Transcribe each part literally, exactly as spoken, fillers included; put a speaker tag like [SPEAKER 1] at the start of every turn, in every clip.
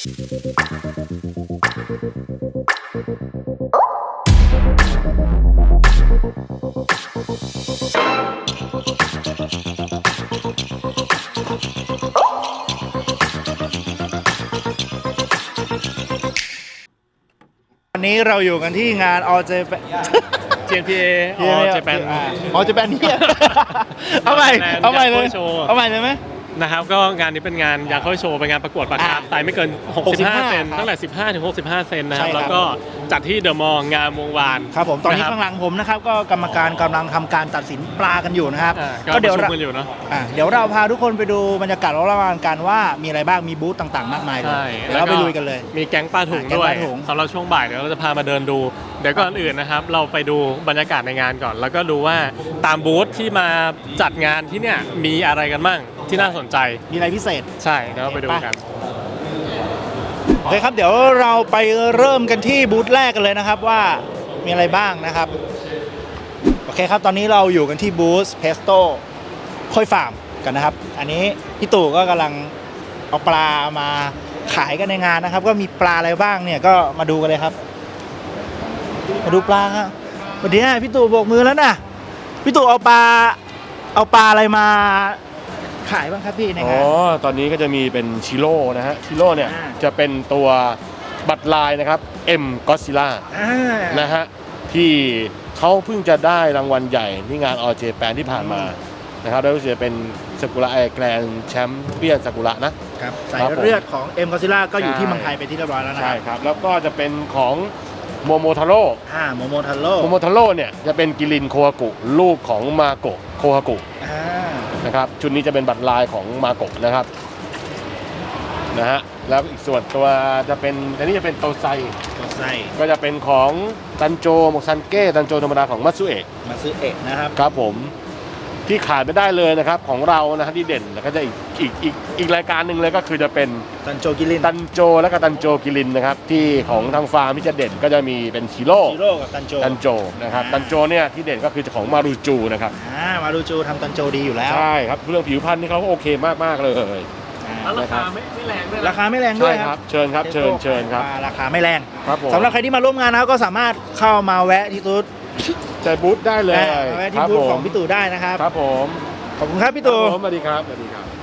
[SPEAKER 1] วันนี้เราอยู่กันที่งาน All Japan
[SPEAKER 2] เจ พี เอ All Japan
[SPEAKER 1] All Japan เนี่ยเอาใหม่เอาใหม่เลยเอาใหม่เลยไหม
[SPEAKER 2] นะครับก็งานนี้เป็นงานยาเข้าโชว์เป็นงานประกวดปลาคาร์ฟไซส์ไม่เกินหกสิบห้าเซนตั้งแต่สิบห้าถึงหกสิบห้าเซนนะครับแล้วก็จัดที่เดอะมอลล์งามวงวาน
[SPEAKER 1] ครับผมตอนนี้ข้างหลังผมนะครับก็กรรมการกำลังทำการตัดสินปลากันอยู่นะครับ
[SPEAKER 2] ก็เดี๋ยวเราอยู่เนาะ
[SPEAKER 1] เดี๋ยวเราพาทุกคนไปดูบรรยากาศรอบๆกันว่ามีอะไรบ้างมีบูธต่างๆมากมายเลยเดี๋ยวเราไปลุยกันเลย
[SPEAKER 2] มีแก๊งปลาถุงด้วยสำหรับช่วงบ่ายเดี๋ยวเราจะพามาเดินดูเดี๋ยวก่อนอื่นนะครับเราไปดูบรรยากาศในงานก่อน แล้วก็ดูว่าตามบูธที่มาจัดงานที่เนี่ยมีอะไรกันบ้างที่น่าสนใจ
[SPEAKER 1] มีอะไรพิเศษ
[SPEAKER 2] ใช่เดี๋ยวไปดูกัน
[SPEAKER 1] โอเคครับเดี๋ยวเราไปเริ่มกันที่บูธแรกกันเลยนะครับว่ามีอะไรบ้างนะครับโอเคครับตอนนี้เราอยู่กันที่บูธเพสโต้ค่อยฟาร์มกันนะครับอันนี้พี่ตู่ก็กำลังเอาปลามาขายกันในงานนะครับก็มีปลาอะไรบ้างเนี่ยก็มาดูกันเลยครับมาดูปลาครับวันนี้พี่ตู่โบกมือแล้วนะพี่ตู่เอาปลาเอาปลาอะไรมาขายบ้างครับพี่ในงาน
[SPEAKER 3] อ๋อตอนนี้ก็จะมีเป็นชิโร่นะฮะชิโร่เนี่ยจะเป็นตัวบัตรลายนะครับ M Godzilla นะฮะที่เขาเพิ่งจะได้รางวัลใหญ่ที่งาน All Japan ที่ผ่านมานะครับแล้วก็จะเป็นซากุระไอแกรนแชมเปี้ยนซากุระนะครับ
[SPEAKER 1] สายเลือดของ M Godzilla ก็อยู่ที่เมืองไทยไปที่เรียบร้อยแล้วนะครับ
[SPEAKER 3] ใช่ครับแล้วก็จะเป็นของโมโมทาโร่
[SPEAKER 1] อ่าโมโมทาโร่
[SPEAKER 3] โมโมทาโร่เนี่ยจะเป็นกิรินโคฮากุลูกของมาโกะโคฮากุนะครับชุดนี้จะเป็นบัตรลายของมาโกะนะครับนะฮะแล้วอีกส่วนตัวจะเป็นอันนี้จะเป็นโตไซ
[SPEAKER 1] โตไซ
[SPEAKER 3] ก็จะเป็นของตันโจโมซันเก้ตันโจธรรมดาของมัตสึเอะ
[SPEAKER 1] มัตสึเอะนะครับ
[SPEAKER 3] ครับผมที่ขาดไม่ได้เลยนะครับของเรานะฮะที่เด่นแล้วก็จะอีกอีกอีกอีกรายการหนึ่งเลยก็คือจะเป็น
[SPEAKER 1] ตันโจกิริน
[SPEAKER 3] ตันโจและก็ตันโจกิรินนะครับที่ของทางฟาร์มที่จะเด่นก็จะมีเป็นชิโร่
[SPEAKER 1] ชิโร่กับตันโจ
[SPEAKER 3] ตันโจนะครับตันโจเนี่ยที่เด่นก็คือของมารูจูนะครับ
[SPEAKER 1] อ่ามารูจูทำตันโจดีอยู่แล้ว
[SPEAKER 3] ใช่ครับเรื่องผิวพรรณนี่เขาโอเคมากมากเลย
[SPEAKER 2] ราคาไม่ไม่แรงด้วย
[SPEAKER 1] ราคาไม่แรงด้วย
[SPEAKER 3] ครับเชิญครับเชิญเชิญครับ
[SPEAKER 1] ราคาไม่แรง
[SPEAKER 3] ครับผม
[SPEAKER 1] สำหรับใครที่มาร่วมงานนะก็สามารถเข้ามาแวะที่บูธ
[SPEAKER 3] ใจบูธได้เลย
[SPEAKER 1] แวะที่บูธของพี่ตู่ได้นะครับ
[SPEAKER 3] ครับผม
[SPEAKER 1] ขอบคุณครับพี่ตู่
[SPEAKER 3] สวัสดีครับสวัสดีครับ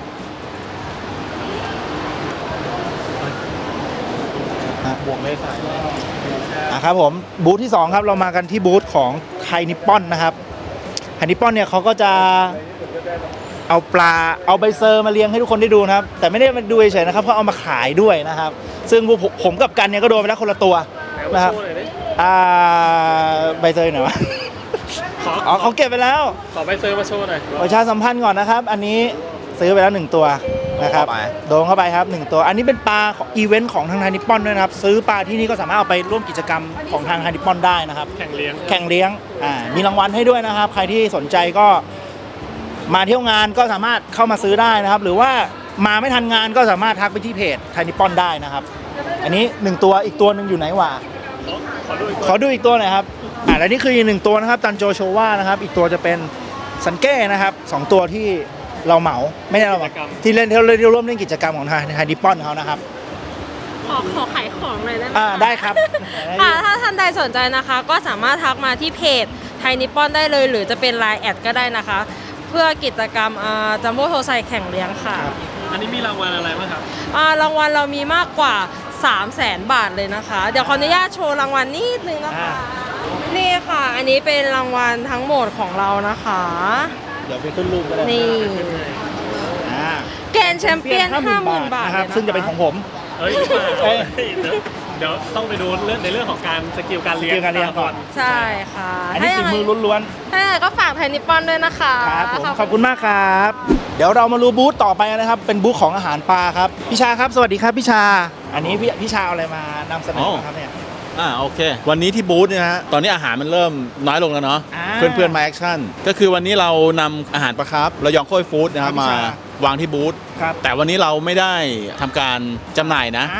[SPEAKER 1] บวกเลยใส่ครับผมบูธที่สองครับเรามากันที่บูธของไฮนิปปอนนะครับไฮนิปปอนเนี่ยเขาก็จะเอาปลาเอาใบเซอร์มาเลี้ยงให้ทุกคนได้ดูนะครับแต่ไม่ได้มาดูเฉยๆนะครับเขาเอามาขายด้วยนะครับซึ่งผมกับกันเนี่ยก็โดนไปแล้วคนละตัวนะครับอ่าใบเซอร์ไหนวะอ๋อเขาเก็บไปแล้ว
[SPEAKER 2] ขอใบเซอร์มาโชว์หน่อย
[SPEAKER 1] ประชาสัมพันธ์ก่อนนะครับอันนี้ซื้อไปแล้วหนึ่งตัวนะครับโดนเข้าไปครับหนึ่งตัวอันนี้เป็นปลาอีเวนต์ของทางไทยนิปปอนด้วยนะครับซื้อปลาที่นี่ก็สามารถเอาไปร่วมกิจกรรมของทางไทยนิปปอนได้นะครับ
[SPEAKER 2] แข่งเลี้ยง
[SPEAKER 1] แข่งเลี้ยงอ่ามีรางวัลให้ด้วยนะครับใครที่สนใจก็มาเที่ยวงานก็สามารถเข้ามาซื้อได้นะครับหรือว่ามาไม่ทันงานก็สามารถทักไปที่เพจไทยนิปปอนได้นะครับอันนี้หนึ่งตัวอีกตัวนึงอยู่ไหนวะขอดูอีกตัวหน่อยครับอ่าและนี่คืออีกหนึ่งตัวนะครับตันโจโชวานะครับอีกตัวจะเป็นซันเก้นะครับสองตัวที่เราเหมาไม่ใช่เราเหมาที่เล่นที่เราร่วมเล่นกิจกรรมของทางไทยนิปปอนเขานะครับ
[SPEAKER 4] ขอขอขายของเลยได้ไหม
[SPEAKER 1] อ่าได้ครับ
[SPEAKER 4] ค่ะถ้าท่านใดสนใจนะคะก็สามารถทักมาที่เพจไทยนิปปอนได้เลยหรือจะเป็นไลน์แอดก็ได้นะคะเพื่อกิจกรรมจัมโบ้โทไซแข่งเลี้ยงค่ะ
[SPEAKER 2] อันนี้มีรางวัลอะไรบ้างครับ
[SPEAKER 4] รางวัลเรามีมากกว่าสามแสนบาทเลยนะคะเดี๋ยวขออนุญาตโชว์รางวัลนิดนึงนะคะนี่ค่ะอันนี้เป็นรางวัลทั้งหมดของเรานะคะ
[SPEAKER 1] เดี๋ยวไปขึ้นรูปก็ได้
[SPEAKER 4] นี่แกรนด์แชมเปี้ยน ห้าหมื่น บาท
[SPEAKER 1] นะครับซึ่งจะเป็นของผม
[SPEAKER 2] เฮ้ยเดี๋ยวต้องไปดูเรื่องในเรื่องของการสกิลการเลี้ยง
[SPEAKER 1] ก่อน
[SPEAKER 4] ใช่ค่ะ
[SPEAKER 1] อันนี้ฝีมือล้วน
[SPEAKER 4] ๆถ้าอย่างไรก็ฝากไทยนิปปอนด้วยนะคะ
[SPEAKER 1] ครับผมขอบคุณมากครับเดี๋ยวเรามาดูบูธต่อไปนะครับเป็นบูธของอาหารปลาครับพี่ชาครับสวัสดีครับพี่ชาอันนี้พี่พี่ชาเอาอะไรมานำเสนอครับเนี่ย
[SPEAKER 5] อ่าโอเควันนี้ที่บูธเนี่ยฮะตอนนี้อาหารมันเริ่มน้อยลงแล้วเนาะเพื่อนเพื่อนมาแอคชั่นก็คือวันนี้เรานำอาหารปลาคาร์ฟระยองโค้ยฟู้ดนะครับมาวางที่บูธแต่วันนี้เราไม่ได้ทำการจำหน่ายนะ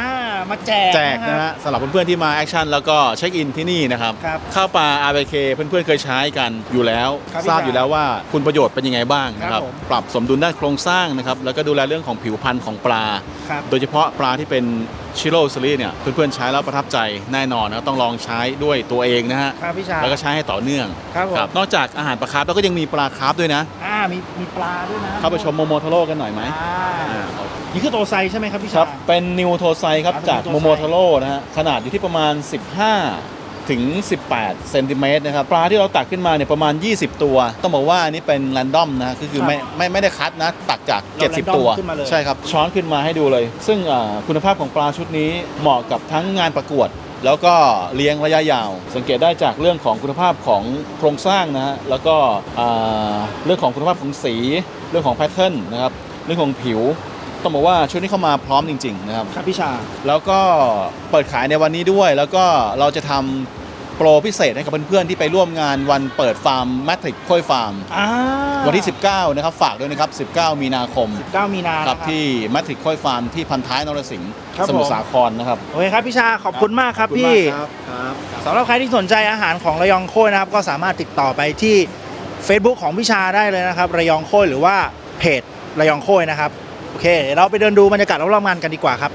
[SPEAKER 1] มาแจก
[SPEAKER 5] แจกนะฮะสำหรับเพื่อนๆที่มาแอคชั่นแล้วก็เช็คอินที่นี่นะครับ
[SPEAKER 1] ครับ
[SPEAKER 5] ข้าวปลา อาร์ บี เค เพื่อนๆเคยใช้กันอยู่แล้ว
[SPEAKER 1] ครับ
[SPEAKER 5] ทราบอยู่แล้วว่าคุณประโยชน์เป็นยังไงบ้างนะค
[SPEAKER 1] ครั
[SPEAKER 5] รั
[SPEAKER 1] บบ ผม
[SPEAKER 5] ปรับสมดุลด้านโครงสร้างนะครับแล้วก็ดูแลเรื่องของผิวพรรณของปลา
[SPEAKER 1] ครับ
[SPEAKER 5] โดยเฉพาะปลาที่เป็นชิโร่ซีรีส์เนี่ยเพื่อนๆใช้แล้วประทับใจแน่นอนนะต้องลองใช้ด้วยตัวเองนะฮะ
[SPEAKER 1] ครับพี่ชา
[SPEAKER 5] แล้วก็ใช้ให้ต่อเนื่อง
[SPEAKER 1] ครับผม
[SPEAKER 5] นอกจากอาหารปลาคาร์ฟแล้วก็ยังมีปลาคาร์ฟด้วยนะ
[SPEAKER 1] อ่ามีมีปลาด้วยนะ
[SPEAKER 5] เข้าไปชมโมโมโทโร่กันหน่อยไหม
[SPEAKER 1] อ่า
[SPEAKER 5] อ่า
[SPEAKER 1] นี่คือโตไซใช่ไหมครับพี่
[SPEAKER 5] ค
[SPEAKER 1] ชา
[SPEAKER 5] รับเป็นนิวโทไซครับ
[SPEAKER 1] อ่า
[SPEAKER 5] จาก
[SPEAKER 1] เป็น
[SPEAKER 5] โม
[SPEAKER 1] New
[SPEAKER 5] โม
[SPEAKER 1] Tosai
[SPEAKER 5] โทโร่นะฮะขนาดอยู่ที่ประมาณ สิบห้า ถึง สิบแปดเซนติเมตรนะครับปลาที่เราตักขึ้นมาเนี่ยประมาณ ยี่สิบ ตัว ต้องบอกว่าอันนี้เป็นแรนดอมนะคือคือไม่ไม่ไม่ได้คัดนะตักจาก
[SPEAKER 1] เรา
[SPEAKER 5] เจ็ดสิบ
[SPEAKER 1] random
[SPEAKER 5] ตัว
[SPEAKER 1] ขึ้นมาเลย
[SPEAKER 5] ใช่ครับช้อนขึ้นมาให้ดูเลย ซึ่งอ่าคุณภาพของปลาชุดนี้เหมาะกับทั้งงานประกวด แล้วก็เลี้ยงระยะยาว สังเกตได้จากเรื่องของคุณภาพของโครงสร้างนะฮะแล้วก็อ่าเรื่องของคุณภาพของสีเรื่องของแพทเทิร์นนะครับเรื่องของผิวต้องบอกว่าชุดนี้เข้ามาพร้อมจริงๆนะครับ
[SPEAKER 1] ครับพี่ชา
[SPEAKER 5] แล้วก็เปิดขายในวันนี้ด้วย แล้วก็เราจะทำโปรพิเศษให้กับเพื่อนๆที่ไปร่วมงานวันเปิดฟาร์มแมทริกค่อยฟาร์ม
[SPEAKER 1] อ่า
[SPEAKER 5] วันที่ สิบเก้า นะครับฝากด้วยนะครับ สิบเก้า มีนาคม
[SPEAKER 1] เก้ามีนา
[SPEAKER 5] ครับ
[SPEAKER 1] นะ
[SPEAKER 5] ที่แมทริกค่อยฟาร์มที่พันท้ายนรสิงห์
[SPEAKER 1] ครับ
[SPEAKER 5] สมุท
[SPEAKER 1] ผม
[SPEAKER 5] รสาครนะครับ
[SPEAKER 1] โอเคครับพี่ชาขอบคุณมากครับ
[SPEAKER 5] ขอณ
[SPEAKER 1] พี่
[SPEAKER 5] มากครับครับ
[SPEAKER 1] สำหรับใครที่สนใจอาหารของระยองโค้ยนะครับก็สามารถติดต่อไปที่ Facebook ของพี่ชาได้เลยนะครับระยองโค้ยหรือว่าเพจระยองโค้ยนะครับโอเคเดี๋ยวเราไปเดินดูบรรยากาศรอบๆงานกันดีกว่าครับ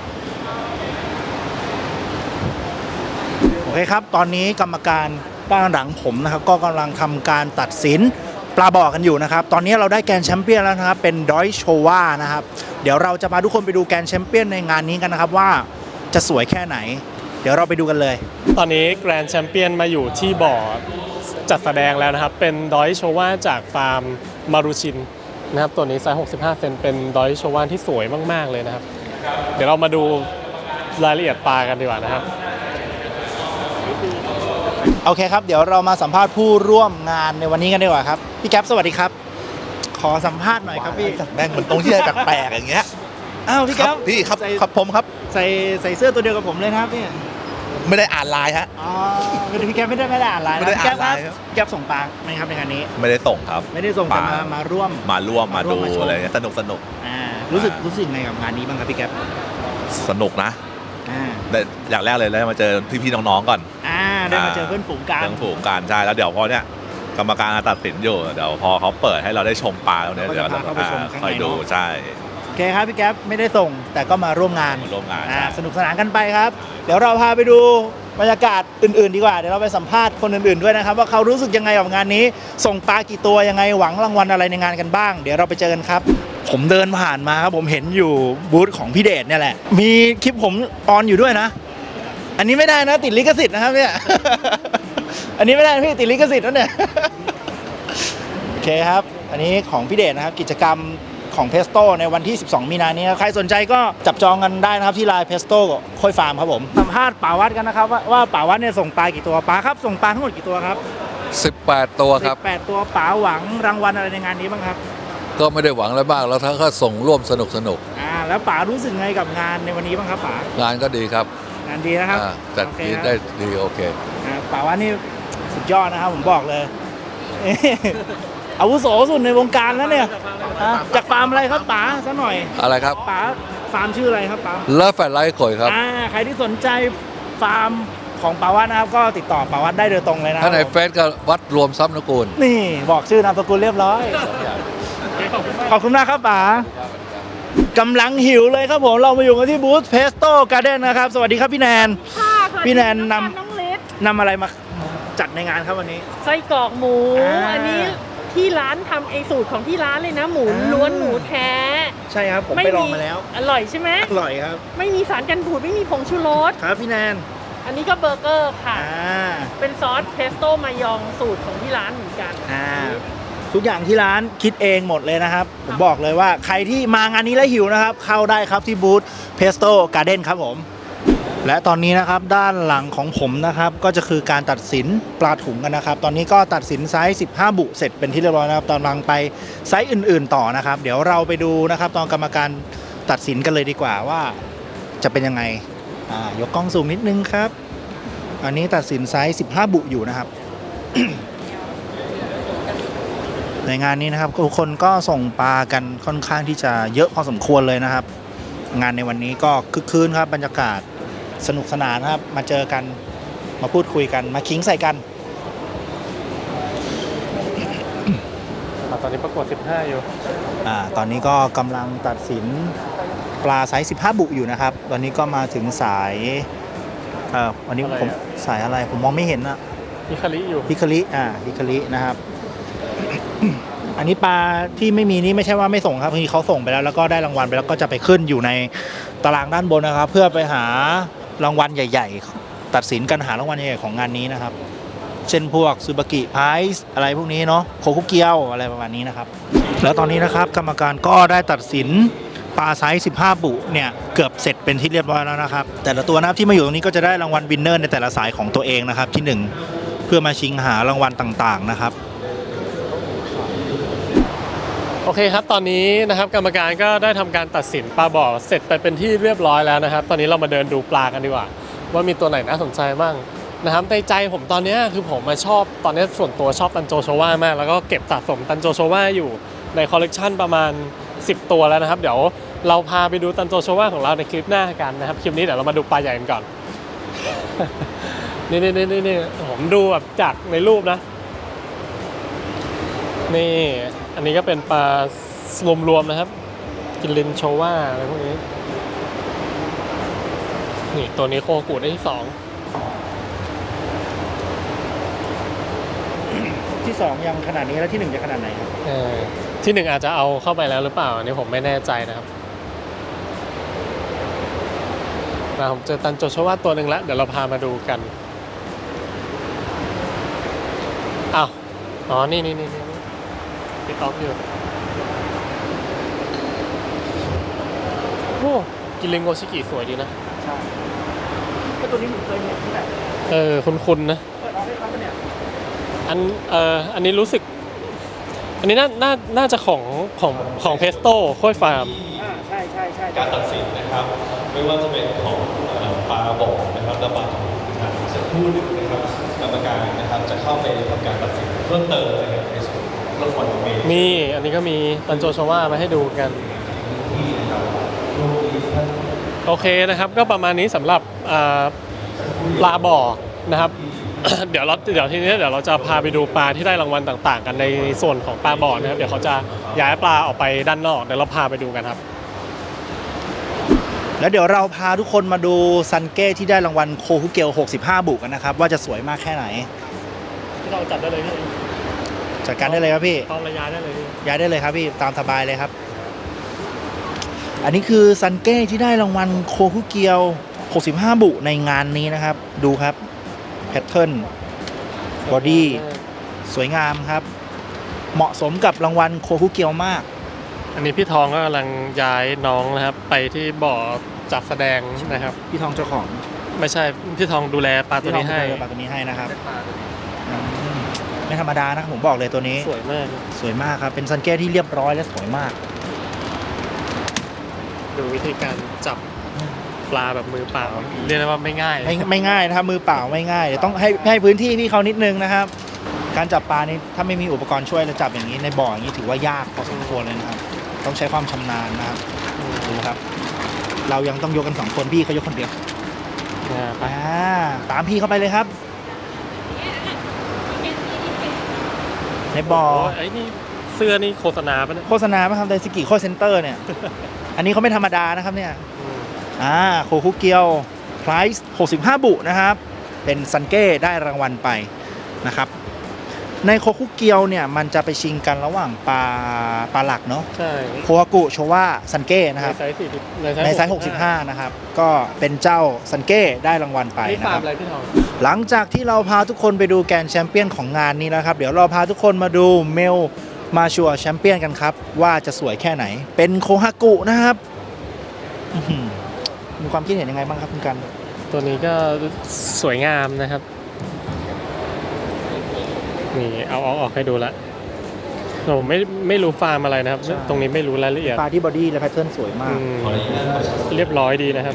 [SPEAKER 1] โอเคครับตอนนี้กรรมการด้านหลังผมนะครับก็กำลังทำการตัดสินปลาบ่อกันอยู่นะครับตอนนี้เราได้แกรนด์แชมเปี้ยนแล้วนะครับเป็นดอยโชวานะครับเดี๋ยวเราจะพาทุกคนไปดูแกรนด์แชมเปี้ยนในงานนี้กันนะครับว่าจะสวยแค่ไหน เดี๋ยวเราไปดูกันเลย
[SPEAKER 2] ตอนนี้แกรนด์แชมเปี้ยนมาอยู่ที่บ่อจัดแสดงแล้วนะครับ เป็นดอยโชวาจากฟาร์มมารูชินนะครับตัวนี้ไซส์หกสิบห้าเซนเป็นดอยโชวาที่สวยมากๆเลยนะครับ เดี๋ยวเรามาดูรายละเอียดปลากันดีกว่านะครับ
[SPEAKER 1] โอเคครับเดี๋ยวเรามาสัมภาษณ์ผู้ร่วมงานในวันนี้กันดีกว่าครับพี่แก๊ปสวัสดีครับ ขอสัมภาษณ์หน่อยครับพี่
[SPEAKER 6] แม่งมันตรงที่อะไรแปลกๆอย่างเงี้ย
[SPEAKER 1] อ้าวพี่
[SPEAKER 6] ค
[SPEAKER 1] แก๊
[SPEAKER 6] รั
[SPEAKER 1] ป
[SPEAKER 6] บพี่ครับ
[SPEAKER 1] ใส่
[SPEAKER 6] ครับผมครับ
[SPEAKER 1] ใส่ใส่เสื้อตัวเดียวกับผมเลยนะครับพี่
[SPEAKER 6] ไม่ได้อ่านไลน์ฮะ
[SPEAKER 1] อ๋อคือพี่แก๊ปไม่ได้ไม่ได้อ่านไลน์
[SPEAKER 6] ไม่ได้
[SPEAKER 1] พี่แก๊ป
[SPEAKER 6] อ่าน
[SPEAKER 1] ค
[SPEAKER 6] ไล
[SPEAKER 1] รับ
[SPEAKER 6] น์ครับ
[SPEAKER 1] พี่แก๊ปส่งปลาไหมครับในงานนี้
[SPEAKER 6] ไม่ได้ส่งครับ
[SPEAKER 1] ไม่ได้ส่งแต่
[SPEAKER 6] ปล
[SPEAKER 1] มามาร่วม
[SPEAKER 6] มาร่วมมา
[SPEAKER 1] มาร่ว
[SPEAKER 6] ดู
[SPEAKER 1] มมาชม
[SPEAKER 6] อะไรเงี้ยสนุกสนุก
[SPEAKER 1] อ่ารู้สึกรู้สึกไงกับงานนี้บ้างครับพี่แก๊ป
[SPEAKER 6] สนุกนะ
[SPEAKER 1] อ่า
[SPEAKER 6] ได้อย่างแรกเลยได้มาเจอพี่ๆน้องๆก่อน
[SPEAKER 1] อ่าได้มาเจอเพื่อนฝูงกัน
[SPEAKER 6] เรื่องฝูงการใช่แล้วเดี๋ยวพอเนี้ยกรรมการตัดสินอยู่เดี๋ยวพอเขาเปิดให้เราได้ชมปลาแล้วเนี่ย
[SPEAKER 1] เราก็
[SPEAKER 6] เดี๋ยว
[SPEAKER 1] จะพาเข้าไปชมข้างใน
[SPEAKER 6] ค่อยดู
[SPEAKER 1] เนอะ
[SPEAKER 6] ใช่
[SPEAKER 1] โอเคครับพี่แก๊ปไม่ได้ส่งแต่ก็มาร่วมงาน
[SPEAKER 6] มาร่วมงาน
[SPEAKER 1] อ่า
[SPEAKER 6] ใช่
[SPEAKER 1] สนุกสนานกันไปครับ เดี๋ยวเราพาไปดูบรรยากาศอื่นๆ ดีกว่าเดี๋ยวเราไปสัมภาษณ์คนอื่นๆด้วยนะครับว่าเขารู้สึกยังไงกับงานนี้ ส่งปลากี่ตัวยังไงหวังรางวัลอะไรในงานกันบ้าง เดี๋ยวเราไปเจอกันครับ ผมเดินผ่านมาครับผมเห็นอยู่บูธของพี่เดชเนี่ยแหละ มีคลิปผมออนอยู่ด้วยนะ อันนี้ไม่ได้นะติดลิขสิทธิ์นะครับเนี่ย อันนี้ไม่ได้นะพี่ติดลิขสิทธิ์นะเนี่ย โอเคครับ อันนี้ของพี่เดชนะครับกิจกรรมของเพสโต้ในวันที่ สิบสอง มีนานี้ครับใครสนใจก็จับจองกันได้นะครับที่ไลน์เพสโต้ค่อยฟาร์มครับผมสัมภาษณ์ป่าวัดกันนะครับว่าว่าป่าวัดเนี่ยส่งปลากี่ตัวปลาครับส่งปลาทั้งหมดกี่ตัวครับ
[SPEAKER 7] สิบแปด ตัวครับ
[SPEAKER 1] สิบแปดตัวป๋าหวังรางวัลอะไรในงานนี้บ้างครับ
[SPEAKER 7] ก็ไม่ได้หวังอะไรมากแล้วทั้งก็ส่งร่วมสนุกสนุก
[SPEAKER 1] อ่าแล้วป๋ารู้สึกไงกับงานในวันนี้บ้างครับป๋าง
[SPEAKER 7] านก็ดีครับ
[SPEAKER 1] งานดีนะครับ
[SPEAKER 7] อ่าจัด
[SPEAKER 1] โอเค
[SPEAKER 7] ดี
[SPEAKER 1] ครับ
[SPEAKER 7] ได้ดีโอเค
[SPEAKER 1] อ่าป๋าวัดนี่สุดยอดนะครับผมบอกเลย อาวุโสสุดในวงการแล้วเนี่ยอ่ะจากฟาร์มอะไรครับป๋าสักหน่อย
[SPEAKER 7] อะไรครับ
[SPEAKER 1] ป๋าฟาร์มชื่ออะไรครับป๋า
[SPEAKER 7] เลิฟแฟลไลท์ข่อยครับ
[SPEAKER 1] อ่าใครที่สนใจฟาร์มของป๋าวัดนะครับก็ติดต่อป๋าวัดได้โดยตรงเลยนะครั
[SPEAKER 7] ถ้า
[SPEAKER 1] บ
[SPEAKER 7] ใน
[SPEAKER 1] ผม
[SPEAKER 7] เฟซก็วัดรวมทรัพย์นกูล
[SPEAKER 1] นี่บอกชื่อนามสกุลเรียบร้อย ขอบคุณมากครับป๋ากำลังหิวเลยครับผมเรามาอยู่กันที่บูธเพสโต้การ์เด้นนะครับ สวัสดีครับพี่แนน
[SPEAKER 8] ค่ะสวัสดี
[SPEAKER 1] พี่แนนนำ
[SPEAKER 8] น้องเล็ก
[SPEAKER 1] นำอะไรมาจัดในงานครับวันนี้
[SPEAKER 8] ไส้กรอกหมู
[SPEAKER 1] อ่า
[SPEAKER 8] อันนี้ที่ร้านทำเองสูตรของที่ร้านเลยนะ หมู
[SPEAKER 1] อ่า
[SPEAKER 8] ล้วนหมูแท้
[SPEAKER 1] ใช่ครับผมไปลองมาแล้ว
[SPEAKER 8] อร่อยใช่ไหม
[SPEAKER 1] อร่อยครับ
[SPEAKER 8] ไม่มีสารกันบูดไม่มีผงชูรส
[SPEAKER 1] ครับพี่แนน
[SPEAKER 8] อันนี้ก็เบอร์เกอร์ค่ะ
[SPEAKER 1] อ่า
[SPEAKER 8] เป็นซอสเพสโต้มายองสูตรของที่ร้านเหมือนกัน
[SPEAKER 1] อ่าทุกอย่างที่ร้านคิดเองหมดเลยนะครับ ผมบอกเลยว่าใครที่มางานนี้แล้วหิวนะครับ เข้าได้ครับที่บูธเพสโต้การ์เด้นครับผม และตอนนี้นะครับด้านหลังของผมนะครับก็จะคือการตัดสินปลาถุงกันนะครับ ตอนนี้ก็ตัดสินไซส์สิบห้าบุเสร็จเป็นที่เรียบร้อยนะครับตอนกำลังไปไซส์อื่น ๆต่อนะครับ เดี๋ยวเราไปดูนะครับตอนกรรมการตัดสินกันเลยดีกว่าว่าจะเป็นยังไงอ่ายกกล้องสูงนิดนึงครับ อันนี้ตัดสินไซส์สิบห้าบุอยู่นะครับ ในงานนี้นะครับทุกคนก็ส่งปลากันค่อนข้างที่จะเยอะพอสมควรเลยนะครับงานในวันนี้ก็คึกคืนครับบรรยากาศสนุกสนานครับมาเจอกันมาพูดคุยกันมาขิงใส่กัน
[SPEAKER 2] ตอนนี้ประกวดสิบห้าอยู่
[SPEAKER 1] อ่าตอนนี้ก็กำลังตัดสินปลาไซส์สิบห้าบุอยู่นะครับ ตอนนี้ก็มาถึงสายเอ่อวันนี้
[SPEAKER 2] อะไร
[SPEAKER 1] ผม
[SPEAKER 2] อะ
[SPEAKER 1] สายอะไรผมมองไม่เห็นอะ
[SPEAKER 2] ฮิคาริอยู่
[SPEAKER 1] ฮิคาริอ่าฮิคารินะครับ อันนี้ปลาที่ไม่มีนี่ไม่ใช่ว่าไม่ส่งครับคือเขาส่งไปแล้วแล้วก็ได้รางวัลไปแล้วก็จะไปขึ้นอยู่ในตารางด้านบนนะครับ เพื่อไปหารางวัลใหญ่ ๆ ตัดสินกันหารางวัลใหญ่ๆของงานนี้นะครับ เช่นพวกซูบากิไพรส์อะไรพวกนี้เนาะโคคุเกียวอะไรประมาณนี้นะครับ แล้วตอนนี้นะครับกรรมการก็ได้ตัดสินปลาไซส์สิบห้าบุเนี่ยเกือบเสร็จเป็นที่เรียบร้อยแล้วนะครับ แต่ละตัวนะครับที่มาอยู่ตรงนี้ก็จะได้รางวัลวินเนอร์ในแต่ละสายของตัวเองนะครับที่หนึ่งเพื่อมาชิงหารางวัลต่างๆนะครับ
[SPEAKER 2] โอเคครับตอนนี้นะครับกรรมการก็ได้ทำการตัดสินปลาบ่อเสร็จไปเป็นที่เรียบร้อยแล้วนะครับ ตอนนี้เรามาเดินดูปลากันดีกว่า ว่ามีตัวไหนน่าสนใจบ้างนะครับในใจผมตอนนี้คือผมมาชอบตอนนี้ส่วนตัวชอบตันโจโชว่ามากแล้วก็เก็บสะสมตันโจโชว่าอยู่ในคอลเลกชันประมาณสิบตัวแล้วนะครับเดี๋ยวเราพาไปดูตันโจโชว่าของเราในคลิปหน้ากันนะครับคลิปนี้เดี๋ยวเรามาดูปลาใหญ่กันก่อน นี่นี่นี่นี่ผมดูแบบจากในรูปนะนี่อันนี้ก็เป็นปลารวมๆนะครับกินลินโชว่าอะไรพวกนี้นี่ตัวนี้โคกูได้ที่สอง
[SPEAKER 1] ที่สองยังขนาดนี้แล้วที่หนึ่งจะขนาดไหนครับ
[SPEAKER 2] เออที่หนึ่งอาจจะเอาเข้าไปแล้วหรือเปล่าอันนี้ผมไม่แน่ใจนะครับมาผมเจอตันโจโชว่าตัวหนึ่งแล้วเดี๋ยวเราพามาดูกันอ้าวอ๋อนี่นี่นี่นี่ติดออฟอยู่โอ้กินเลงโงชิกิสวยดีนะ
[SPEAKER 1] ใช่ก็ตัวนี้ผมเคยเห็นที่ไหน
[SPEAKER 2] เออคุ้นๆนะ
[SPEAKER 1] เปิดออกให้เขาปะเนี่ย
[SPEAKER 2] อันเอ่ออันนี้รู้สึก อันนี้น่าน่าน่าจะของของของเพสโต้ค่อยฟาร์ม
[SPEAKER 1] อ่าใช่ใช่ใช่
[SPEAKER 9] การตัดสินนะครับไม่ว่าจะเป็นของเอ่อปลาบ่อนะครับและปลาทูนะครับสักครู่หนึ่งนะครับกรรมการนะครับจะเข้าไปทำการตัดสินเพิ่มเติมนะครับในส่วนของรางวัลเมย์
[SPEAKER 2] นี่อันนี้ก็มีตันโจโชว่ามาให้ดูกัน
[SPEAKER 9] ที่นะครับโรงเรียนท่าน
[SPEAKER 2] โอเคนะครับก็ประมาณนี้สำหรับอ่าปลาบ่อนะครับ เดี๋ยวเราเดี๋ยวทีนี้เดี๋ยวเราจะพาไปดูปลาที่ได้รางวัลต่างๆ กันในส่วนของปลาบ่อนะครับเดี๋ยวเขาจะย้ายปลาออกไปด้านนอกเดี๋ยวเราพาไปดูกันครับ
[SPEAKER 1] แล้วเดี๋ยวเราพาทุกคนมาดูซันเก้ที่ได้รางวัลโคคุเกลหกสิบห้าบุกันนะครับว่าจะสวยมากแค่ไหน
[SPEAKER 2] เราจัดได้เลยพี่
[SPEAKER 1] จัดการได้เลยครับพี่
[SPEAKER 2] พร้อมระยะได้เลยพี่
[SPEAKER 1] ย้ายได้เลยครับพี่ตามสบายเลยครับ อันนี้คือซันเก้ที่ได้รางวัลโคคุเกียวหกสิบห้าบุในงานนี้นะครับ ดูครับแพทเทิร์นบอดี้สวยงามครับ เหมาะสมกับรางวัลโคคุเกียวมาก
[SPEAKER 2] อันนี้พี่ทองก็กำลังย้ายน้องนะครับ ไปที่บ่อจัดแสดงนะครับ
[SPEAKER 1] พี่ทองเจ้าของ
[SPEAKER 2] ไม่ใช่พี่ทองดูแลปลาตัวนี้ให้
[SPEAKER 1] พี่ทองดูแลปลาตัวนี้ให้นะครับอืมไม่ธรรมดานะครับผมบอกเลยตัวนี้
[SPEAKER 2] สวยมาก
[SPEAKER 1] สวยมากครับเป็นซันเก้ที่เรียบร้อยและสวยมาก
[SPEAKER 2] ดูวิธีการจับปลาแบบมือเปล่าเรียกได้ว่าไม่ง่าย
[SPEAKER 1] ไม่ไม่ง่ายนะครับมือเปล่าไม่ง่ายเดี๋ยวต้องให้ให้พื้นที่พี่เขานิดนึงนะครับ การจับปลานี่ถ้าไม่มีอุปกรณ์ช่วยจะจับอย่างนี้ในบ่ออย่างนี้ถือว่ายากพอสมควรเลยนะครับ ต้องใช้ความชำนาญนะครับดูครับ เรายังต้องยกกันสองคนพี่เขายกคนเดียว
[SPEAKER 2] อ่าไป
[SPEAKER 1] อ่าตามพี่เข้าไปเลยครับ ในบ่อ
[SPEAKER 2] โอ้ยไอ้นี่เสื้อนี่โฆษณาปะเนี่ย
[SPEAKER 1] โฆษณาไหมครับไดซิกิโคเซ็นเตอร์เนี่ย อันนี้เขาไม่ธรรมดานะครับเนี่ย
[SPEAKER 2] อืม
[SPEAKER 1] อ่าโคคุเกียวไพรส์หกสิบห้าบุนะครับ เป็นซันเก้ได้รางวัลไปนะครับ ในโคคุเกียวเนี่ยมันจะไปชิงกันระหว่างปลาปลาหลักเนาะ
[SPEAKER 2] ใช่
[SPEAKER 1] โคฮากุโชวะซันเก้นะครับ
[SPEAKER 2] ในไซส์สี่สิบ
[SPEAKER 1] ในไซส์หกสิบห้านะครับ ก็เป็นเจ้าซันเก้ได้รางวัลไป
[SPEAKER 2] นี่
[SPEAKER 1] นะ
[SPEAKER 2] ฟา
[SPEAKER 1] ค
[SPEAKER 2] ร์ม
[SPEAKER 1] รับ
[SPEAKER 2] อะไรพี่ทอง
[SPEAKER 1] หลังจากที่เราพาทุกคนไปดูแกรนด์แชมเปี้ยนของงานนี้นะครับ เดี๋ยวเราพาทุกคนมาดูเมลมาชัวร์แชมเปี้ยนกันครับ ว่าจะสวยแค่ไหน เป็นโคฮากุนะครับอื้อหือมีความคิดเห็นยังไงบ้างครับคุณกัน
[SPEAKER 2] ตัวนี้ก็สวยงามนะครับนี่เอาเอาออกให้ดูละผมไม่ไม่รู้ฟาร์มอะไรนะครับ
[SPEAKER 1] ใช่
[SPEAKER 2] ตรงนี้ไม่รู้รายละเอียด
[SPEAKER 1] ปลาที่บอดี้และแพทเทิร์นสวยมาก
[SPEAKER 2] อืมเรียบร้อยดีนะครับ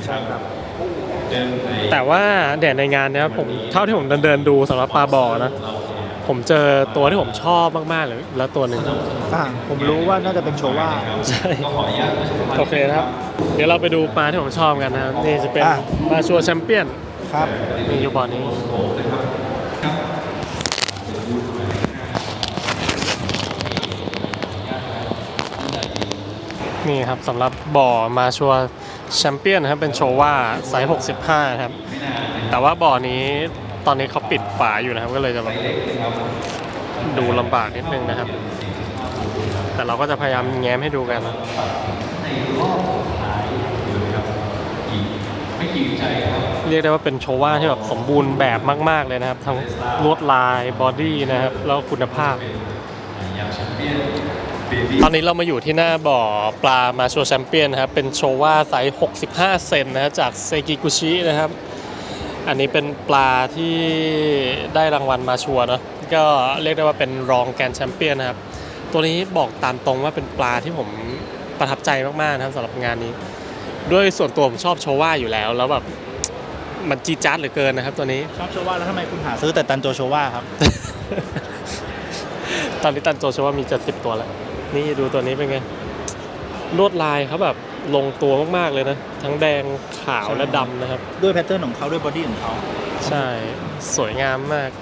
[SPEAKER 9] เดินใน
[SPEAKER 2] แต่ว่าแดดในงานเนี้ยผมเท่าที่ผมเดินเดินๆดูสำหรับปลาบ่อนะผมเจอตัวที่ผมชอบมากๆเลยแล้วตัวหนึ่ง
[SPEAKER 1] อ่าผมรู้ว่าน่าจะเป็นโชว่า
[SPEAKER 2] ใช่โอเคนะครับ เดี๋ยวเราไปดูปลาที่ผมชอบกันนะครับนี่จะเป็น
[SPEAKER 1] อ่ะ
[SPEAKER 2] ปลาชัวแชมเปี้ยน
[SPEAKER 1] ครับ
[SPEAKER 2] นี่อยู่บ่อนี้นี่ครับสำหรับบ่อมาชัวแชมเปี้ยนนะครับเป็นโชว่าไซส์หกสิบห้าครับแต่ว่าบ่อนี้ตอนนี้เขาปิดฝาอยู่นะครับก็เลยจะแบบดูลำบากนิดนึงนะครับ แต่เราก็จะพยายามแง้มให้ดูกัน เรียกได้ว่าเป็นโชว่าที่แบบสมบูรณ์แบบมากๆเลยนะครับทั้งลวดลายบอดี้นะครับแล้วคุณภาพ ตอนนี้เรามาอยู่ที่หน้าบ่อปลามาชัวแชมเปี้ยนนะครับเป็นโชว่าไซส์หกสิบห้าเซนนะฮะจากเซกิกุชินะครับอันนี้เป็นปลาที่ได้รางวัลมาชัวเนาะก็เรียกได้ว่าเป็นรองแกรนด์แชมเปี้ยนนะครับตัวนี้บอกตามตรงว่าเป็นปลาที่ผมประทับใจมากๆนะครับสำหรับงานนี้ด้วยส่วนตัวผมชอบโชว่าอยู่แล้วแล้วแบบมันจีดจ๊าดเหลือเกินนะครับตัวนี้
[SPEAKER 1] ชอบโชว่าแล้วทำไมคุณหาซื้อแต่ตันโจโชว่าครับ
[SPEAKER 2] ตอนนี้ตันโจโชว่ามีเจ็ดสิบตัวแล้วนี่ดูตัวนี้เป็นไงลวดลายเขาแบบลงตัวมากๆเลยนะทั้งแดงขาวและดำนะครับ
[SPEAKER 1] ด้วยแพทเทิร์นของเขาด้วยบอดี้ของเขา
[SPEAKER 2] ใช่สวยงามมาก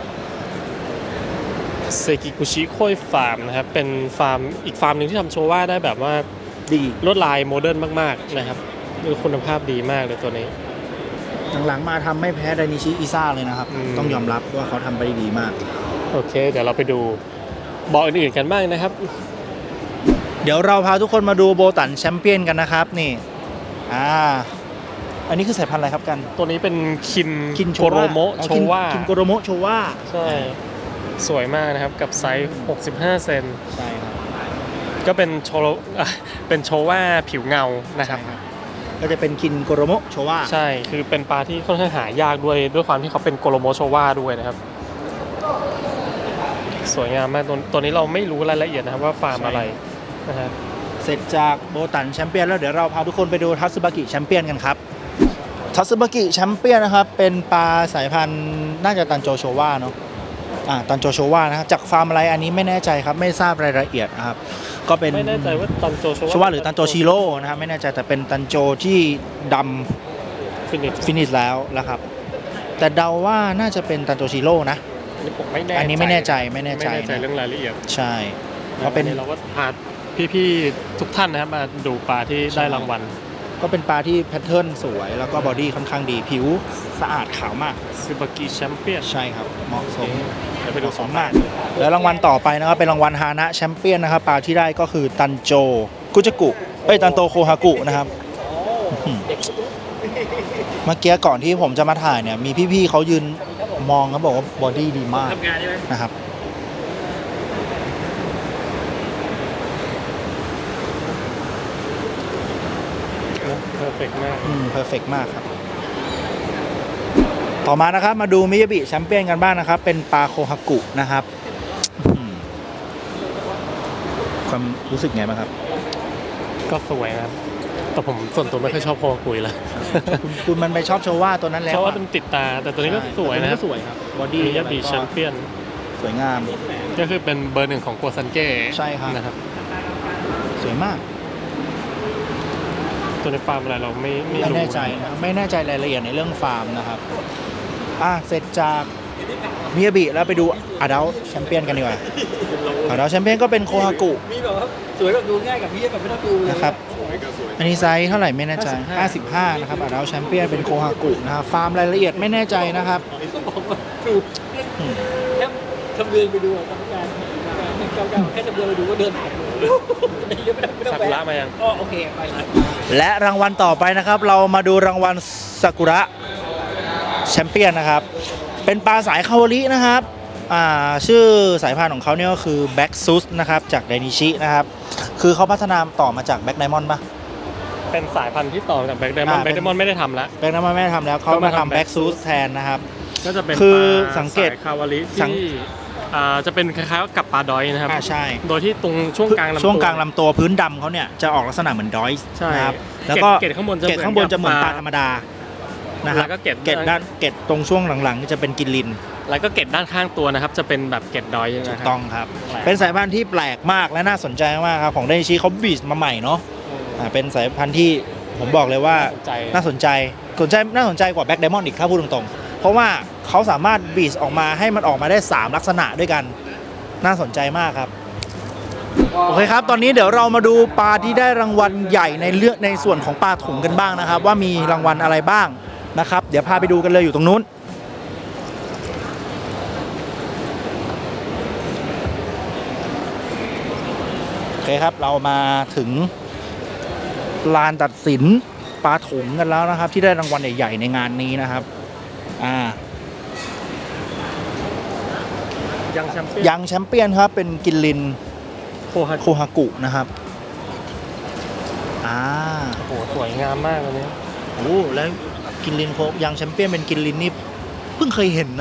[SPEAKER 2] เซกิกุชิโค้ยฟาร์มนะครับเป็นฟาร์มอีกฟาร์มหนึ่งที่ทำโชว่าได้แบบว่า
[SPEAKER 1] ดี
[SPEAKER 2] ลวดลายโมเดิร์นมากๆนะครับคือคุณภาพดีมากเลยตัวนี้
[SPEAKER 1] หลังๆมาทำไม่แพ้ไดนิชิอิซ่าเลยนะครับ
[SPEAKER 2] อืม
[SPEAKER 1] ต้องยอมรับว่าเขาทำไปได้ดีมาก
[SPEAKER 2] โอเค เดี๋ยวเราไปดูบ่ออื่นๆกันบ้างนะครับ
[SPEAKER 1] เดี๋ยวเราพาทุกคนมาดูโบตันแชมเปี้ยนกันนะครับนี่อ่าอันนี้คือสายพันธุ์อะไรครับกัน
[SPEAKER 2] ตัวนี้เป็นคิน
[SPEAKER 1] คิน
[SPEAKER 2] โกโรโมะ
[SPEAKER 1] อ๋อ
[SPEAKER 2] โช
[SPEAKER 1] คิน
[SPEAKER 2] ว่า
[SPEAKER 1] คินโกโรโมะโชว่า
[SPEAKER 2] ใช่สวยมากนะครับกับไซส์หกสิบห้าเซน
[SPEAKER 1] ใช่ครับ
[SPEAKER 2] ก็เป็นโชโรอ่ะเป็นโชว่าผิวเงานะครับ
[SPEAKER 1] ก็จะเป็นคินโกโรโมะโชว่า
[SPEAKER 2] ใช่คือเป็นปลาที่ค่อนข้างหายากด้วยด้วยความที่เขาเป็นโกโรโมโชว่าด้วยนะครับ สวยงามมากตัวตัวนี้เราไม่รู้รายละเอียดนะครับว่าฟาร์มอะไรนะครับ
[SPEAKER 1] เสร็จจากโบตันแชมเปี้ยนแล้วเดี๋ยวเราพาทุกคนไปดูทัตสึบากิแชมเปี้ยนกันครับทัตสึบากิแชมเปี้ยนนะครับเป็นปลาสายพันธุ์น่าจะตันโจโชว่าเนาะอ่าตันโจโชว่านะครับจากฟาร์มอะไรอันนี้ไม่แน่ใจครับไม่ทราบรายละเอียดนะครับก็เป็น
[SPEAKER 2] ไม่แน่ใจว่าตันโจโช
[SPEAKER 1] โชว่าหรือตันโจชิโร่นะครับไม่แน่ใจแต่เป็นตันโจที่ดำ
[SPEAKER 2] ฟินิช
[SPEAKER 1] ฟินิชแล้วนะครับ แต่เดาว่าน่าจะเป็นตันโจชิโร่นะ
[SPEAKER 2] อันนี้ผมไม่แน่
[SPEAKER 1] อันนี้ไม่แน่ใจไม่แน่ใจ
[SPEAKER 2] ไม่แน่ใจ
[SPEAKER 1] นะ
[SPEAKER 2] เรื่องรายละเอียด
[SPEAKER 1] ใช่ก็
[SPEAKER 2] ก็
[SPEAKER 1] เป็
[SPEAKER 2] เป็น นเราก็พาพี่ๆทุกท่านนะครับมาดูปลาที่ได้รางวัล
[SPEAKER 1] ก็เป็นปลาที่แพทเทิร์นสวยแล้วก็บอดี้ค่อนข้างดีผิวสะอาดขาวมาก
[SPEAKER 2] ซึบากิแชมเปี้ยน
[SPEAKER 1] ใช่ครับเหมาะสม
[SPEAKER 2] เดี๋ยวไปดู
[SPEAKER 1] สมมากแล้วรางวัลต่อไปนะครับเป็นรางวัลฮานะแชมเปี้ยนนะครับปลาที่ได้ก็คือตันโจกุจกุเอ้ยตันโตโคฮากุนะครับอื้อหือเมื่อกี้ก่อนที่ผมจะมาถ่ายเนี่ยมีพี่ๆเขายืนมองเขาบอกว่าบอดี้ดีมากนะครับ
[SPEAKER 2] เพอร์เฟกต์มาก
[SPEAKER 1] อืมเพอร์เฟกมากครับ ต่อมานะครับมาดูมิยาบิแชมเปี้ยนกันบ้างนะครับ เป็นปลาโคฮากุนะครับอืมความรู้สึกไงบ้างครับ
[SPEAKER 2] ก็สวยนะครับแต่ผมส่วนตัวไม่ค่อยชอบโคกุยละ
[SPEAKER 1] คุณคุณมันไปชอบโชว่าตัวนั้นแล้ว
[SPEAKER 2] เพราะว่า
[SPEAKER 1] อะ
[SPEAKER 2] มันติดตา แต่ตัวนี้ก็สวย
[SPEAKER 1] แต่ตัว
[SPEAKER 2] นะค
[SPEAKER 1] ก็
[SPEAKER 2] รับ
[SPEAKER 1] สวยครับบอดี้
[SPEAKER 2] มิยาบิแชมเปี้ยน
[SPEAKER 1] สวยงาม
[SPEAKER 2] ก็คือเป็นเบอร์หนึ่งของกัวซันเก้
[SPEAKER 1] ใช่ครับ
[SPEAKER 2] นะครับ
[SPEAKER 1] สวยมาก
[SPEAKER 2] ตัวในฟาร์มอะไรเราไม่ไม่
[SPEAKER 1] ไม่
[SPEAKER 2] รู้
[SPEAKER 1] แน่ใจนะไม่แน่ใจรายละเอียดในเรื่องฟาร์มนะครับอ่ะเสร็จจากมิยาบิแล้วไปดูอาดัลแชมเปี้ยนกันดีกว่าอาดัลแชมเปี้ยนก็เป็นโคฮากุ
[SPEAKER 8] มีแบบว่าสวยแบบดูง่ายกับพี่แบบไม่ต้องดูเลย
[SPEAKER 1] นะครับ อันนี้ไซส์เท่าไหร่ไม่แน่ใจ ห้าสิบห้า นะครับอาดัลแชมเปี้ยนเป็นโคฮากุนะครับ ฟาร์มรายละเอียดไม่แน่ใจนะครับ
[SPEAKER 8] ต้องบอกว่าดูแค่ทำเรือนไปดูทำการทำการแค่ทำเรือนไปดูก็เดินผ่านไม่ต้องไม่ต้อง
[SPEAKER 2] ซา
[SPEAKER 8] แว
[SPEAKER 2] กุระมายัง
[SPEAKER 8] อ๋อโอเคไปละ
[SPEAKER 1] และรางวัลต่อไปนะครับ เรามาดูรางวัลซากุระแชมเปี้ยนนะครับ เป็นปลาสายคาวารินะครับอ่าชื่อสายพันธุ์ของเขาเนี่ยก็คือแบ็กซุสนะครับจากไดนิชินะครับ คือเขาพัฒนาต่อมาจากแบ็กไดมอนด์ปะ
[SPEAKER 2] เป็นสายพันธุ์ที่ต่อจากแบ็กไดมอนด์
[SPEAKER 1] อ่า
[SPEAKER 2] แบ็กไดมอนด์ไม่ได้ทำแล้ว
[SPEAKER 1] แบ็กไดมอนด์ไม่ได้ทำแล้วเขา
[SPEAKER 2] ก็
[SPEAKER 1] มา
[SPEAKER 2] มาทำ
[SPEAKER 1] ทำแบ็ก
[SPEAKER 2] Black
[SPEAKER 1] ซุส
[SPEAKER 2] Sus
[SPEAKER 1] แทนนะครับ
[SPEAKER 2] ก็จะเป็น
[SPEAKER 1] คือ
[SPEAKER 2] ปลา
[SPEAKER 1] สังเกต
[SPEAKER 2] สายคาวาริ
[SPEAKER 1] สัง
[SPEAKER 2] ที่อ่าจะเป็นคล้ายๆกับปลาดอยนะครับ
[SPEAKER 1] อ่าใช่
[SPEAKER 2] โดยที่ตรงช่วงกลางลำตัว
[SPEAKER 1] ช่วงกลางลำตัวพื้นดำเขาเนี่ยจะออกลักษณะเหมือนดอยส์
[SPEAKER 2] ใช่
[SPEAKER 1] นะครับ
[SPEAKER 2] เกล็ด
[SPEAKER 1] แล้วก็
[SPEAKER 2] เกล็ดข้างบนจะ
[SPEAKER 1] เกล็ดข้างบนจะเหมือน
[SPEAKER 2] เหมื
[SPEAKER 1] ป
[SPEAKER 2] อน
[SPEAKER 1] ลา
[SPEAKER 2] กับ
[SPEAKER 1] ธรรมดานะครับ
[SPEAKER 2] แล้วก็เกล็ด
[SPEAKER 1] เกล็ดด้านเกล็ดตรงช่วงหลังๆจะเป็นกินลิน
[SPEAKER 2] แล้วก็เกล็ดด้านข้างตัวนะครับจะเป็นแบบเกล็ดดอยนะค
[SPEAKER 1] ถู
[SPEAKER 2] รับ
[SPEAKER 1] กต้องครับ
[SPEAKER 2] แปลก
[SPEAKER 1] เป็นสายพันธุ์ที่แปลกมากและน่าสนใจมากครับของไดชิเขาบีชมาใหม่เนาะอ่าเป็นสายพันธุ์ที่ผมบอกเลยว่า
[SPEAKER 2] ใจ
[SPEAKER 1] น่าสนใจสนใจน่าสนใจกว่าแบ็กไดมอนด์อีกถ้าพูดตรงๆ เพราะว่าเขาสามารถบีชออกมาให้มันออกมาได้สามลักษณะด้วยกันน่าสนใจมากครับโอเคครับตอนนี้เดี๋ยวเรามาดูปลาที่ได้รางวัลใหญ่ในเรื่องในส่วนของปลาถุงกันบ้างนะครับ ว่ามีรางวัลอะไรบ้างนะครับ เดี๋ยวพาไปดูกันเลยอยู่ตรงนู้นโอเคครับเรามาถึงลานตัดสินปลาถุงกันแล้วนะครับ ที่ได้รางวัลใหญ่ๆในงานนี้นะครับอ่า
[SPEAKER 2] ยังแชมเปี้ยน
[SPEAKER 1] ยังแชมเปี้ยนครับเป็นกินลิน
[SPEAKER 2] โคฮา
[SPEAKER 1] โคฮากุนะครับอ่า
[SPEAKER 2] โอ้โหสวยงามมากอันนี้
[SPEAKER 1] โอ้แล้วกินลินโคยังแชมเปี้ยนเป็นกินลินนี่เพิ่งเคยเห็นนะ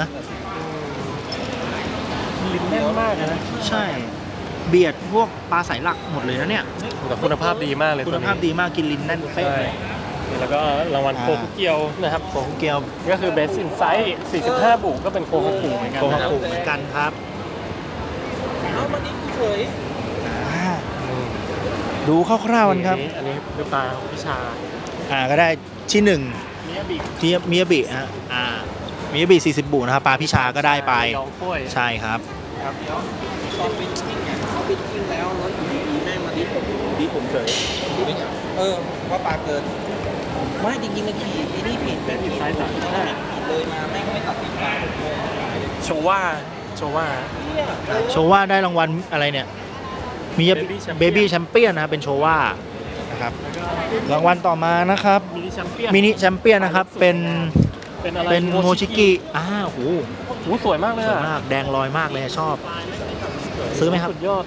[SPEAKER 2] ลิ้นแน่นมากเลยนะ
[SPEAKER 1] ใช่เบียดพวกปลาสายหลักหมดเลยนะเนี่ย
[SPEAKER 2] แต่คุณภาพดีมากเลย
[SPEAKER 1] คุณภาพดีมากกินลินแน่นเป๊ะ
[SPEAKER 2] ใช่แล้วก็รางวัล
[SPEAKER 1] อ่า
[SPEAKER 2] โคคุเกียวนะครับ
[SPEAKER 1] โคฮาเกียว
[SPEAKER 2] ก็คือ Best Insight สี่สิบห้า บุกก็เป็นโคฮากุเหมือนกัน
[SPEAKER 1] โคฮา
[SPEAKER 2] นะครับ
[SPEAKER 1] กุเหมือนกันครับ
[SPEAKER 8] เอามาดิเฉย
[SPEAKER 1] อ่าดูคร่าวๆกันครับ
[SPEAKER 2] อันนี้คือปลาพิชา
[SPEAKER 1] อ่าก็ได้ที่หนึ่ง
[SPEAKER 2] มิยาบิ
[SPEAKER 1] ที่มิยาบิฮะอ่ามิยาบิสี่สิบบุนะครับปลาพิชาก็ได้ไป
[SPEAKER 2] ยองถ้วย
[SPEAKER 1] ใช่ครับ
[SPEAKER 2] ครับ
[SPEAKER 8] ตอนเป็นจริงเนี่ยเขาเป็นจริงแล้วแล้วอยู่ดีๆแม่งมาดิผมดิผมเฉยเออว่าปลาเกินไม่จริงๆมันขี่ไอ้นี่ผิดเป็นผิด
[SPEAKER 2] ใช่จ้ะ
[SPEAKER 8] แม่งผิดเลยมาแม่งไม่ตัดสินใจ
[SPEAKER 2] โชว่าโชว่า
[SPEAKER 1] โชว่าได้รางวัลอะไรเนี่ยมี
[SPEAKER 2] Baby Champion
[SPEAKER 1] เบบี้แชมเปี้ยนนะครับเป็นโชว่านะครับรางวัลต่อมานะครับ
[SPEAKER 2] มินิแชมเปี้ยน
[SPEAKER 1] มินิแชมเปี้ยนนะครับเป็น
[SPEAKER 2] เป็นอะไร
[SPEAKER 1] เป็นโมชิกิอ้าวโห
[SPEAKER 2] โอ้โหสวยมากเลย
[SPEAKER 1] สวย
[SPEAKER 2] อะ
[SPEAKER 1] มากแดงลอยมากเลยชอบ ซื้อไหมครับ
[SPEAKER 2] สุดยอด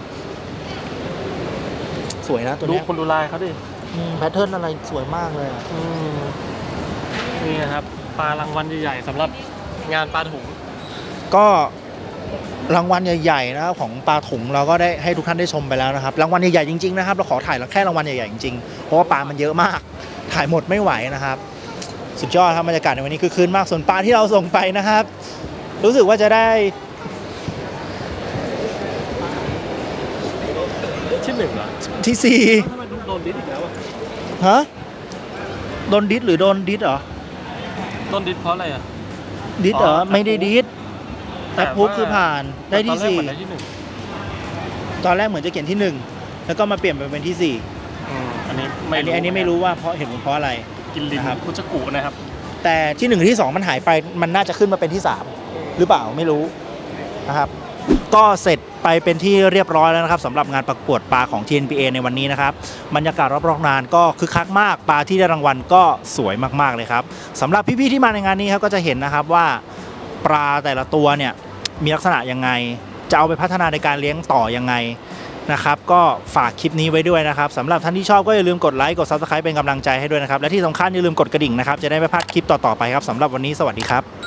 [SPEAKER 1] สวยนะตัว
[SPEAKER 2] ดู
[SPEAKER 1] เนี้ย
[SPEAKER 2] คนดูลายเขาดิ
[SPEAKER 1] แพทเทิร์นอะไรสวยมากเลยอะ
[SPEAKER 2] อืมนี่นะครับปลารางวัลใหญ่ๆสำหรับงานปลาถุง
[SPEAKER 1] ก็รางวัลใหญ่ๆนะครับของปลาถุงเราก็ได้ให้ทุกท่านได้ชมไปแล้วนะครับรางวัลใหญ่ๆจริงๆนะครับเราขอถ่ายแค่รางวัลใหญ่ๆจริงๆเพราะว่าปลามันเยอะมากถ่ายหมดไม่ไหวนะครับ สุดยอดครับบรรยากาศในวันนี้คือคืนมากส่วนปลาที่เราส่งไปนะครับ รู้สึกว่าจะได้
[SPEAKER 2] ที่หนึ่งเหรอ
[SPEAKER 1] ที่สี่
[SPEAKER 2] ทำไมโดนดิสอีกแล้วอะ
[SPEAKER 1] ฮะโดนดิสหรือโดนดิสเหรอ
[SPEAKER 2] โดนดิสเพราะอะไรอ่ะ
[SPEAKER 1] ดิสเหรอ
[SPEAKER 2] อ๋อ
[SPEAKER 1] ไม่ได้ดิสแต่พูคือผ่านได้ที่สี่
[SPEAKER 2] ตอนแรกเหมือนได้ที่หนึ่ง
[SPEAKER 1] ตอนแรกเหมือนจะเขียนที่หนึ่งแล้วก็มาเปลี่ยนไปเป็นที่สี่
[SPEAKER 2] อืมอันนี้
[SPEAKER 1] อันนี้อันนี้ไม่รู้ว่าเพราะเห็นผลเพราะอะไร
[SPEAKER 2] กินลิน
[SPEAKER 1] นะครับ
[SPEAKER 2] คุชกุนะครับ
[SPEAKER 1] แต่ที่หนึ่งที่สองมันหายไปมันน่าจะขึ้นมาเป็นที่สามหรือเปล่าไม่รู้นะครับ ก็เสร็จไปเป็นที่เรียบร้อยแล้วนะครับสำหรับงานประกวดปลาของ ที เอ็น พี เอ ในวันนี้นะครับบรรยากาศรอบๆงานก็คึกคักมากปลาที่ได้รางวัลก็สวยมากๆเลยครับสำหรับพี่ๆที่มาในงานนี้ครับก็จะเห็นนะครับว่าปลาแต่ละตัวเนี่ยมีลักษณะยังไงจะเอาไปพัฒนาในการเลี้ยงต่อยังไงนะครับก็ฝากคลิปนี้ไว้ด้วยนะครับสำหรับท่านที่ชอบก็อย่าลืมกดไลค์กด ซับสไครบ์ เป็นกำลังใจให้ด้วยนะครับและที่สำคัญอย่าลืมกดกระดิ่งนะครับจะได้ไม่พลาดคลิปต่อๆไปครับสำหรับวันนี้สวัสดีครับ